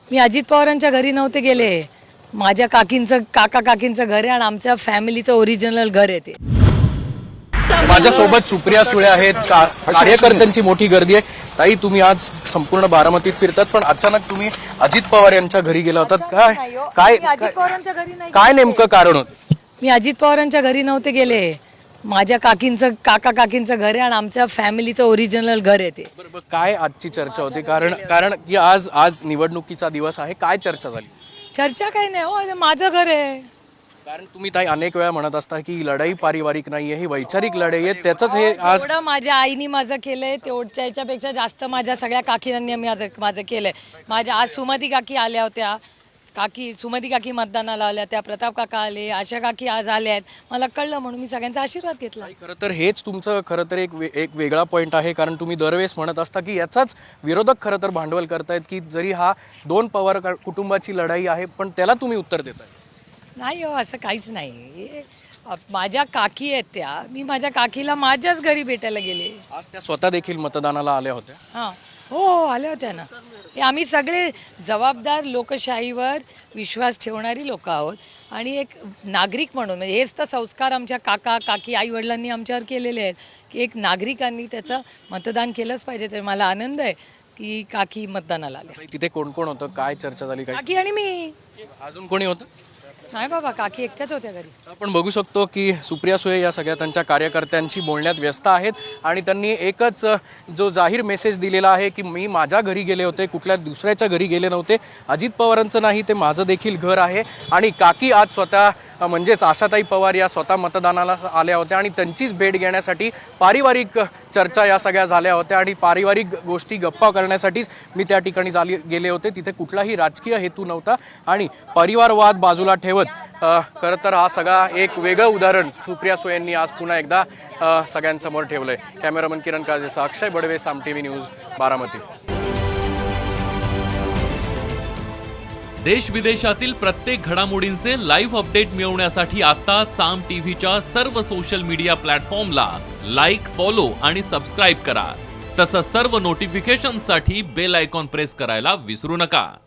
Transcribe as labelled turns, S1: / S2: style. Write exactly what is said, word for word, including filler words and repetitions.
S1: मी अजित पवारांच्या घरी नव्हते गेले. माझ्या काकींचं काका काकींचं घर आहे आणि आमच्या फॅमिलीचं ओरिजिनल घर आहे ते.
S2: माझ्यासोबत सुप्रिया सुळे आहेत. का- कार्यकर्त्यांची मोठी गर्दी आहे. ताई, तुम्ही आज संपूर्ण बारामतीत फिरतात, पण अचानक तुम्ही अजित पवार यांच्या घरी गेला होतात. काय काय
S1: मी अजित पवारांच्या घरी नाही
S2: काय
S1: गेले.
S2: नेमकं कारण होतं?
S1: मी अजित पवारांच्या घरी नव्हते गेले. माझ्या काकींचं काका काकींचं घर आहे आणि आमच्या फॅमिलीचं ओरिजिनल घर आहे ते.
S2: बरोबर. काय आजची चर्चा होती? कारण कारण की आज आज निवडणुकीचा दिवस आहे. काय चर्चा झाली?
S1: चर्चा काही नाही हो, हे माझं घर आहे.
S2: कारण तुम्ही ताई अनेक वेळा म्हणत असता की ही लढाई पारिवारिक नाहीये, ही वैचारिक लढाई आहे. त्याचंच हे आज
S1: जेवढं माझ्या आईनी माझं केलंय तेवढच्या याच्यापेक्षा जास्त माझ्या सगळ्या काकींनी माझं माझं केलंय. माझ्या आज सुमती काकी आल्या होत्या. काकी सुमती काकी मतदानाला आल्या, त्या प्रताप काका आले, आशा काकी आज आल्या आहेत. मला कळलं म्हणून मी सगळ्यांचा आशीर्वाद घेतला.
S2: खरं तर हेच तुमचं खरं तर एक वे- एक वेगळा पॉईंट आहे. कारण तुम्ही दरवेळेस म्हणत असता की याचाच विरोधक खरं तर भांडवल करतायत की जरी हा दोन पवार का- कुटुंबाची लढाई आहे, पण त्याला तुम्ही उत्तर देताय.
S1: नाही हो, असं काहीच नाही. हे, अ, माझ्या काकी आहेत त्या. मी माझ्या काकीला माझ्याच घरी भेटायला गेले.
S2: आज त्या स्वतः देखील मतदानाला आल्या होत्या.
S1: हां हो हो आल्या होत्या ना. हे आम्ही सगळे जबाबदार लोकशाहीवर विश्वास ठेवणारी लोक आहोत आणि एक नागरिक म्हणून म्हणजे हेच तर संस्कार आमच्या काका काकी आई वडिलांनी आमच्यावर केलेले आहेत की एक नागरिकांनी त्याचं मतदान केलंच पाहिजे. तर मला आनंद आहे की काकी मतदानाला आल्या.
S2: तिथे कोण कोण होतं? काय चर्चा झाली? काय
S1: काकी आणि मी.
S2: अजून कोणी होतं?
S1: नाही बाबा, काकी एकट्याच होत्या घरी.
S2: आपण बघू शकतो की सुप्रिया सुळे या सगळ्या त्यांच्या कार्यकर्त्यांशी बोलण्यात व्यस्त आहेत आणि त्यांनी एकच जो जाहीर मेसेज दिलेला आहे की मी माझ्या घरी गेले होते, कुठल्या दुसऱ्याच्या घरी गेले नव्हते. अजित पवारांचं नाही, ते माझं देखील घर आहे. आणि काकी आज स्वतः म्हणजेच आशाताई पवार या स्वतः मतदानाला आल्या होत्या आणि त्यांचीच भेट घेण्यासाठी पारिवारिक चर्चा या सगळ्या झाल्या होत्या आणि पारिवारिक गोष्टी गप्पा करण्यासाठीच मी त्या ठिकाणी झाली गेले होते. तिथे कुठलाही राजकीय हेतू नव्हता आणि परिवारवाद बाजूला ठेवत खरं तर हा सगळा एक वेगळं उदाहरण सुप्रिया सुळे यांनी आज पुन्हा एकदा अ, सगळ्यांसमोर ठेवलंय. कॅमेरामन किरण काजेसह अक्षय बडवे, साम टीव्ही न्यूज, बारामती.
S3: देश विदेशातील प्रत्येक घडामोडींचे लाईव्ह अपडेट मिळवण्यासाठी आता साम टीव्हीच्या सर्व सोशल मीडिया प्लॅटफॉर्मला लाईक, फॉलो आणि सबस्क्राईब करा. तसंच सर्व नोटिफिकेशनसाठी बेल आयकॉन प्रेस करायला विसरू नका.